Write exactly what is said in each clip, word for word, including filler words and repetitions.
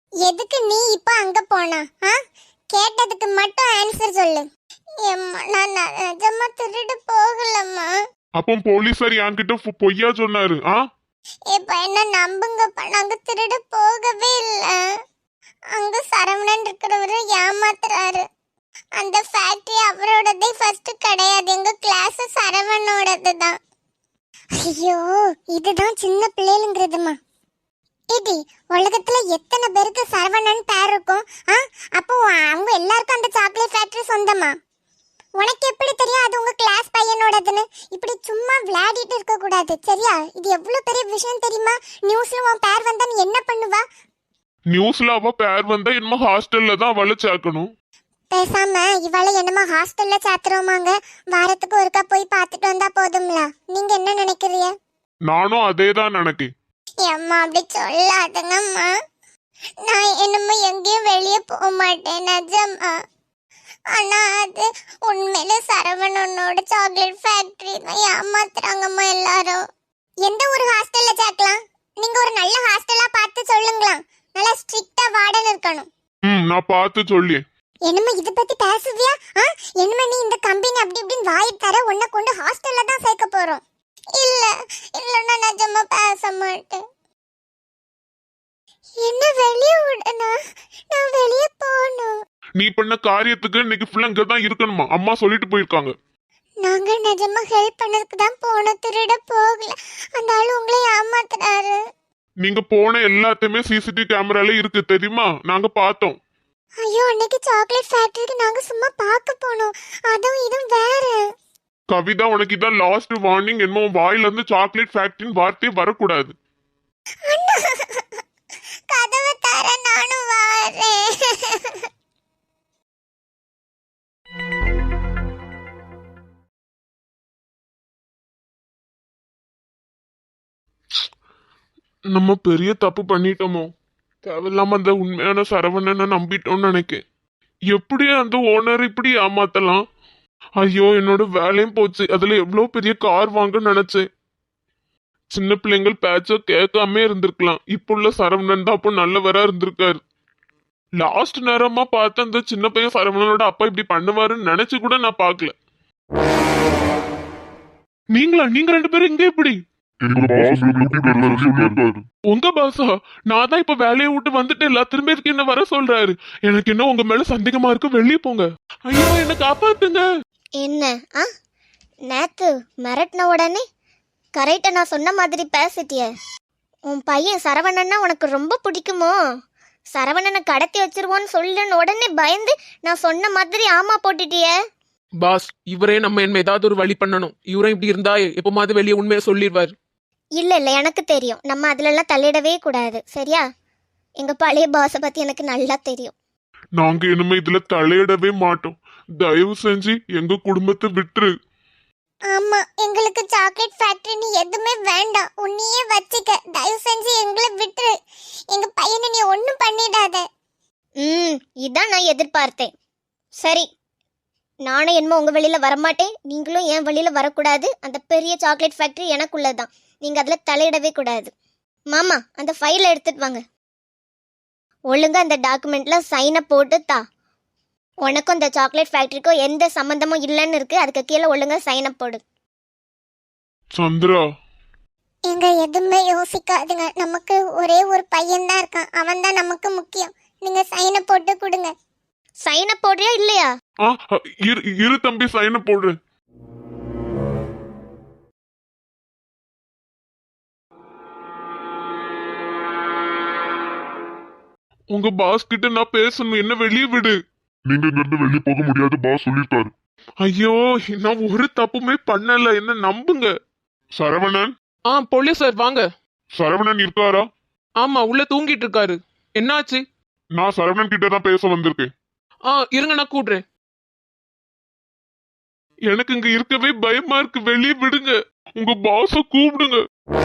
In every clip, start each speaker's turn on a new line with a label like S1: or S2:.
S1: எதுக்கு நீ இப்ப அங்க போனா? ஆ? கேட்டதுக்கு மட்டும் ஆன்சர் சொல்லு. எம்மா, நான் ந- நிஜமா திருடு போகலம்மா.
S2: அப்போ போலீஸார் என்கிட்ட பொ- பொய்யா சொன்னாரு. ஆ
S1: இப்ப என்ன நம்புங்கப்பா, நாங்க திருடு போகவே இல்ல. அங்க சரவணன் இருக்கிறவரு ஏமாத்துறாரு. அந்த ஃபேக்டரி அவரோடதே ஃபர்ஸ்ட் கிடையாது, எங்க கிளாஸ் சரவணோடது தான். ஐயோ, இதுதான் சின்ன பிள்ளைங்கிறதுமா. ஏடி, உலகத்துல எத்தனை பேருக்கு சரவணன் பேர் இருக்கும்? ஆ? அப்போ அவங்க எல்லாருக்கும் அந்த சாக்லேட் ஃபேக்டரி சொந்தமா? உனக்கு எப்படி தெரியும் அது உங்க கிளாஸ் பையனோடதுன்னு? இப்படி சும்மா விளையாடிட்டு இருக்க கூடாது, சரியா? இது எவ்வளவு பெரிய விஷயம் தெரியுமா? நியூஸ்ல உன் பேர் வந்தா நீ என்ன பண்ணுவா?
S2: நியூஸ்ல அவ பேர் வந்தா என்னமோ ஹாஸ்டல்ல தான் அவளை சேர்க்கணும்.
S1: பேசாம இவளை என்னமா ஹாஸ்டல்ல சாத்துறோமாங்க? வாரத்துக்கு ஒருக்கா போய் பார்த்துட்டு வந்தா போதும்ல. நீங்க என்ன நினைக்கிறீங்க?
S2: நானும் அதே தான் நினைக்கேன்.
S1: அம்மா அப்படி சொல்லாதுங்கம்மா. நான் என்னமோ எங்கேயும் வெளியே போக மாட்டேன் நிஜமா. ஆனா அது உண்மையில சரவணனோட சாக்லேட் ஃபேக்டரி தான் ஏமாத்துறாங்கம்மா எல்லாரும். எந்த ஒரு ஹாஸ்டல்ல சேர்க்கலாம்? நீங்க ஒரு நல்ல ஹாஸ்டலா பார்த்து சொல்லுங்களா. நல்லா ஸ்ட்ரிக்ட்டா வார்டன் இருக்கணும்.
S2: ம் நான் பார்த்து சொல்லி.
S1: என்னம்மா இத பத்தி பேசுவியா? ஆ? என்னம்மா நீ இந்த கம்பெனி அப்படி இப்படின்னு வாய் தர உன்னை கொண்டு ஹாஸ்டல்ல தான் சேர்க்க போறோம். இல்ல இல்ல, நான் நிஜமா பேச மாட்டேன். என்ன வெளியே விடனா? நான் வெளியே போகணும்.
S2: நீ பண்ண காரியத்துக்கு இன்னைக்கு ஃபுல்லா இங்க தான் இருக்கணுமா? அம்மா சொல்லிட்டு போயிருக்காங்க.
S1: நாங்க நிஜமா ஹெல்ப் பண்ணதுக்கு தான் போனோம், திருட போகல. அந்த ஆளு உங்களை ஏமாத்துறாரு.
S2: நீங்க போன எல்லாத்தையுமே சிசிடிவி கேமரால இருக்கு தெரியுமா? நாங்க பார்த்தோம்.
S1: ஐயோ, அன்னைக்கு சாக்லேட் ஃபேக்டரிக்கு நாங்க சும்மா பார்க்க போனோம். அதுவும் இதுவும் வேற.
S2: கவிதா, உனக்கு இதான் லாஸ்ட் வார்னிங். என்னமோ வாயில இருந்து சாக்லேட் ஃபேக்டரின்னு வார்த்தையே வரக்கூடாது.
S1: அண்ணா, கதவை தர, நானும் வரேன்.
S2: நம்ம பெரிய தப்பு பண்ணிட்டோமோ? தேவையில்லாம அந்த உண்மையான சரவணனை நம்பிட்டோம்னு நினைக்கேன். எப்படி அந்த ஓனர் இப்படி ஏமாத்தலாம்? ஐயோ, என்னோட வேலையும் போச்சு. அதுல எவ்வளவு பெரிய கார் வாங்க நினைச்சேன். சின்ன பிள்ளைங்கள் பேச்ச கேட்காம இருந்திருக்கலாம். இப்போ உள்ள சரவணன் தான் அப்போ நல்லவரா இருந்திருக்காரு. லாஸ்ட் நேரமா பார்த்து அந்த சின்ன பையன் சரவணனோட அப்பா இப்படி பண்ணுவாருன்னு நினைச்சு கூட நான் பார்க்கல. நீங்களா? நீங்க ரெண்டு பேரும் இங்க எப்படி? உங்க பாசா? நான் தான் இப்ப வேலையை விட்டு வந்துட்டேன்ல, திரும்ப இதுக்கு என்ன வர சொல்றாரு? எனக்கு என்ன உங்க மேல சந்தேகமா இருக்கு, வெளியே போங்க. ஐயோ, என்ன காப்பாத்துங்க.
S1: என்ன ஆ? நேத்து மிரட்டின உடனே கரெக்டா நான் சொன்ன மாதிரி பேசிட்டிய. உன் பையன் சரவணன்னா உனக்கு ரொம்ப பிடிக்குமோ? சரவணனை கடத்தி வச்சிருவோன்னு சொல்லுன்னு உடனே பயந்து நான் சொன்ன மாதிரி ஆமா போட்டுட்டிய.
S3: பாஸ், இவரே நம்ம என்ன ஏதாவது ஒரு வழி பண்ணணும். இவரே இப்படி இருந்தா எப்பமாவது வெளியே உண்மையை சொல்லிடுவார்.
S1: இல்ல இல்ல, எனக்கு தெரியும். நம்ம அதுல எல்லாம் தலையிடவே கூடாது, சரியா? எங்க பழைய பாஸை பத்தி எனக்கு நல்லா தெரியும்.
S2: நாங்க இனிமே இதுல தலையிடவே மாட்டோம். தயவு செஞ்சு எங்க குடும்பத்தை விட்டுரு.
S1: ஆமா, எங்களுக்கு சாக்லேட் ஃபேக்டரி எதுவுமே வேண்டாம். உன்னையே வச்சுக்க. தயவு செஞ்சு எங்களை விட்டுரு. எங்க பையனை நீ ஒன்றும் பண்ணிடாத. ம், இதான் நான் எதிர்பார்த்தேன். சரி, நானும் என்னமோ உங்க வெளியில வரமாட்டேன், நீங்களும் என் வெளியில வரக்கூடாது. அந்த பெரிய சாக்லேட் ஃபேக்டரி எனக்குள்ளதான். நீங்க அதுல தலையிடவே கூடாது. மாமா, அந்த ஃபைலை எடுத்துட்டு வாங்க. ஒழுங்கா அந்த டாக்குமெண்ட்ல சைனை போட்டு தா. உனக்கும் இந்த சாக்லேட் ஃபேக்டரிக்கும் எந்த சம்பந்தமும் இல்லைன்னு இருக்கு. அதுக்கு கீழே ஒழுங்கா சைனை போடு.
S2: சந்திரா,
S1: எங்க எதுவுமே யோசிக்காதுங்க. நமக்கு ஒரே ஒரு பையன் தான் இருக்கான், அவன் தான் நமக்கு முக்கியம். நீங்க சைனை போட்டு கொடுங்க. சைனை போடுறியா இல்லையா?
S2: ஆ இரு இரு தம்பி, சைனை போடு. உங்க பாஸ் கிட்ட நான் பேசணும், என்ன வெளியே விடு.
S4: நீங்க இங்க இருந்து வெளியே போக முடியாது, பாஸ் சொல்லிருக்காரு.
S2: ஐயோ, நான் ஒரு தப்புமே பண்ணல, என்ன நம்புங்க. சரவணன்?
S3: ஆ போலீஸ் சார், வாங்க.
S2: சரவணன் இருக்காரா?
S3: ஆமா, உள்ள தூங்கிட்டு இருக்காரு. என்னாச்சு?
S2: நான் சரவணன் கிட்ட தான் பேச வந்திருக்கேன்.
S3: ஆ இருங்க, நான் கூடுறேன்.
S2: எனக்கு இங்க இருக்கவே பயமா இருக்கு, வெளியே விடுங்க. உங்க பாஸ கூப்பிடுங்க.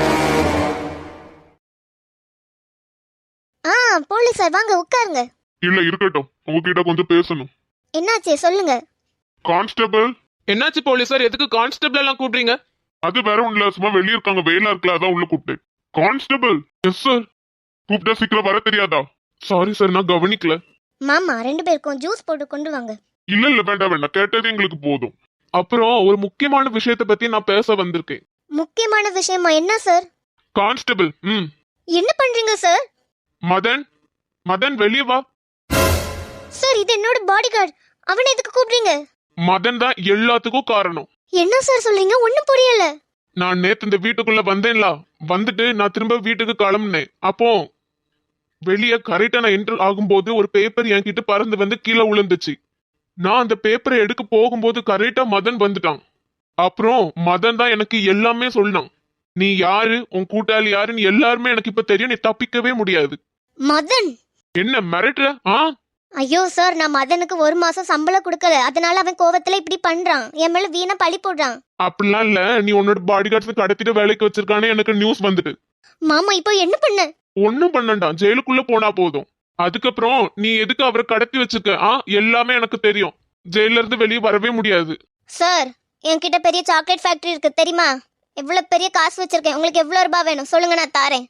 S1: ஆ போலீஸ் சார், வாங்க உட்காருங்க.
S2: இல்ல இருக்கட்டும், உங்ககிட்ட கொஞ்சம் பேசணும்.
S1: என்னாச்சு சொல்லுங்க.
S2: கான்ஸ்டபிள்?
S3: என்னாச்சு போலீஸ் சார்? எதுக்கு கான்ஸ்டபிள் எல்லாம் கூப்பிடுறீங்க?
S2: அது வேற ஒண்ணுல, சும்மா வெளியே இருக்காங்க, வெயிலா இருக்கல, அதான் உள்ள கூப்பிட்டேன். கான்ஸ்டபிள்? Yes sir. கூப்பிட்டா சீக்கிரம் வர தெரியாதா? சாரி சார், நான் கவனிக்கல.
S1: மாமா ரெண்டு பேருக்கும் ஜூஸ் போட்டு கொண்டு வாங்க.
S2: இல்ல இல்ல வேண்டாம் வேண்டாம், கேட்டது எங்களுக்கு போதும். அப்புறம் ஒரு முக்கியமான விஷயத்தை பத்தி நான் பேச வந்திருக்கேன்.
S1: முக்கியமான விஷயமா? என்ன சார்?
S2: கான்ஸ்டபிள், ம்
S1: என்ன பண்றீங்க சார்?
S2: மதன், மதன் வெளியே வா.
S1: சார் இது என்னோட பாடி கார்டு, அவனை எதுக்கு கூப்பிடுறீங்க?
S2: மதன் தான் எல்லாத்துக்கும் காரணம்.
S1: என்ன சார் சொல்றீங்க? ஒண்ணும் புரியல.
S2: நான் நேத்து இந்த வீட்டுக்குள்ள வந்தேன்ல, வந்துட்டு நான் திரும்ப வீட்டுக்கு கிளம்புனேன். அப்போ வெளியே கரெக்டா நான் என்டர் ஆகும்போது ஒரு பேப்பர் என்கிட்ட பறந்து வந்து கீழே விழுந்துச்சு. நான் அந்த பேப்பரை எடுக்க போகும்போது கரெக்டா மதன் வந்துட்டான். அப்புறம் மதன் தான் எனக்கு எல்லாமே சொன்னான். நீ யாரு, உன் கூட்டாளி யாருன்னு எல்லாருமே எனக்கு இப்ப தெரியும். நீ தப்பிக்கவே முடியாது.
S1: மதன்
S2: என்ன மிரட்டுற? ஆ
S1: ஐயோ சார், நான் மதனுக்கு ஒரு மாசம் சம்பளம் கொடுக்கல, அதனால அவன் கோவத்துல இப்படி பண்றான். என் மேல வீணா பழி போடுறான்.
S2: அப்படிலாம் இல்ல, நீ உன்னோட பாடி கார்ட்ஸ் கடத்திட்டு வேலைக்கு வச்சிருக்கானே எனக்கு நியூஸ் வந்துட்டு.
S1: மாமா இப்போ என்ன பண்ண?
S2: ஒன்னும் பண்ணண்டா, ஜெயிலுக்குள்ள போனா போதும். அதுக்கப்புறம் நீ எதுக்கு அவரை கடத்தி வச்சிருக்க? ஆ எல்லாமே எனக்கு தெரியும். ஜெயில இருந்து வெளியே வரவே முடியாது.
S1: சார் என்கிட்ட பெரிய சாக்லேட் ஃபேக்டரி இருக்கு தெரியுமா? எவ்வளவு பெரிய காசு வச்சிருக்கேன். உங்களுக்கு எவ்வளவு ரூபாய் வேணும் சொல்லுங்க, நான் தாரேன்.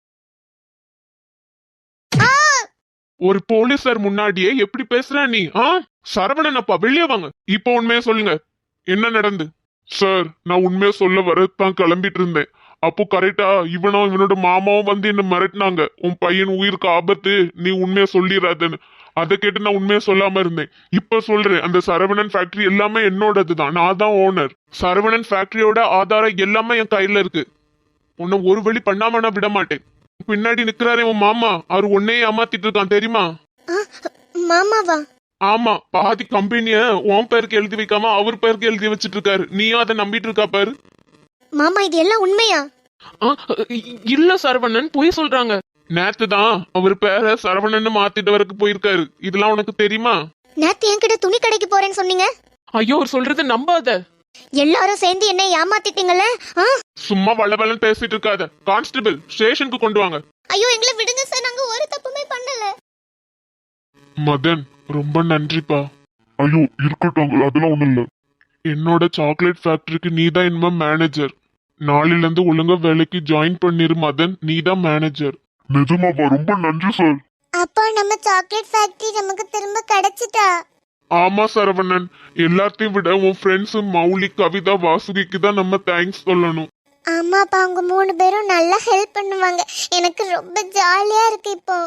S2: ஒரு போலீஸார் முன்னாடியே எப்படி பேசுற நீ? ஆ சரவணன் அப்பா வெளியே வாங்க. இப்போ உண்மையை சொல்லுங்க, என்ன நடந்து? சார், நான் உண்மையை சொல்ல வரத்தான் கிளம்பிட்டு இருந்தேன். அப்போ கரெக்டா இவனும் இவனோட மாமாவும் வந்து என்ன மிரட்டினாங்க. உன் பையன் உயிருக்கு ஆபத்து, நீ உண்மையை சொல்லிடாதன்னு. அதை கேட்டு நான் உண்மையை சொல்லாம இருந்தேன். இப்ப சொல்றேன், அந்த சரவணன் ஃபேக்டரி எல்லாமே என்னோடதுதான். நான் தான் ஓனர். சரவணன் ஃபேக்டரியோட ஆதாரம் எல்லாமே என் கையில இருக்கு. உன்னை ஒரு வழி பண்ணாம நான் விட மாட்டேன். பின்னாடி நிக்கிறாரே உன் மாமா, அவர் உன்னையே ஏமாத்திட்டு இருக்கான் தெரியுமா?
S1: மாமாவா?
S2: ஆமா, பாதி கம்பெனிய உன் பேருக்கு எழுதி வைக்காம அவர் பேருக்கு எழுதி வச்சிட்டு இருக்காரு. நீயும் அதை நம்பிட்டு இருக்கா பாரு.
S1: மாமா இது எல்லாம் உண்மையா?
S3: ஆ, இல்ல சரவணன், பொய் சொல்றாங்க.
S2: நேத்து தான் அவர் பேரை சரவணன்னு மாத்திட்டு வரக்கு போயிருக்காரு. இதெல்லாம் உனக்கு தெரியுமா?
S1: நேத்து என்கிட்ட துணி கடைக்கு போறேன்னு சொன்னீங்க.
S3: ஐயோ, அவர் சொல்றது நம்பாத.
S1: எல்லாரும் சேர்ந்து என்ன ஏமாத்திட்டீங்கல்ல?
S2: சும்மா வளவலன்னு பேசிட்டு இருக்காத. கான்ஸ்டபிள், ஸ்டேஷனுக்கு கொண்டு வாங்க.
S1: ஐயோ எங்களை விடுங்க சார், நாங்க ஒரு தப்புமே பண்ணல.
S2: மதன், ரொம்ப நன்றிப்பா.
S4: ஐயோ இருக்கட்டும், அதெல்லாம் ஒண்ணும் இல்ல.
S2: என்னோட சாக்லேட் ஃபேக்டரிக்கு நீ தான் இனிமே மேனேஜர். நாளையில இருந்து ஒழுங்கா வேலைக்கு ஜாயின் பண்ணிரு மதன். நீ தான் மேனேஜர்.
S4: நிஜமாவா? ரொம்ப நன்றி சார்.
S1: அப்பா நம்ம சாக்லேட் ஃபேக்டரி நமக்கு திரும்ப கிடைச்சிட்டா?
S2: ஆமா சரவணன், எல்லாத்தையும் விட உன் ஃப்ரெண்ட்ஸ் மௌலி, கவிதா, வாசுகிக்கு தான் நம்ம தேங்க்ஸ் சொல்லணும்.
S1: ஆமாப்பா, அவங்க மூணு பேரும் நல்லா ஹெல்ப் பண்ணுவாங்க. எனக்கு ரொம்ப ஜாலியா இருக்கு இப்போ.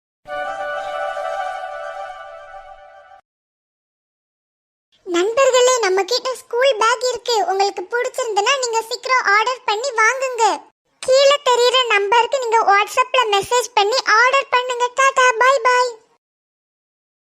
S1: நண்பர்களே, நம்ம கிட்ட ஸ்கூல் பேக் இருக்கு. உங்களுக்கு பிடிச்சிருந்தனா நீங்க சீக்கிரம் ஆர்டர் பண்ணி வாங்குங்க. கீழே தெரியுற நம்பருக்கு நீங்க வாட்ஸ்அப்ல மெசேஜ் பண்ணி ஆர்டர் பண்ணுங்க. Tata, bye by.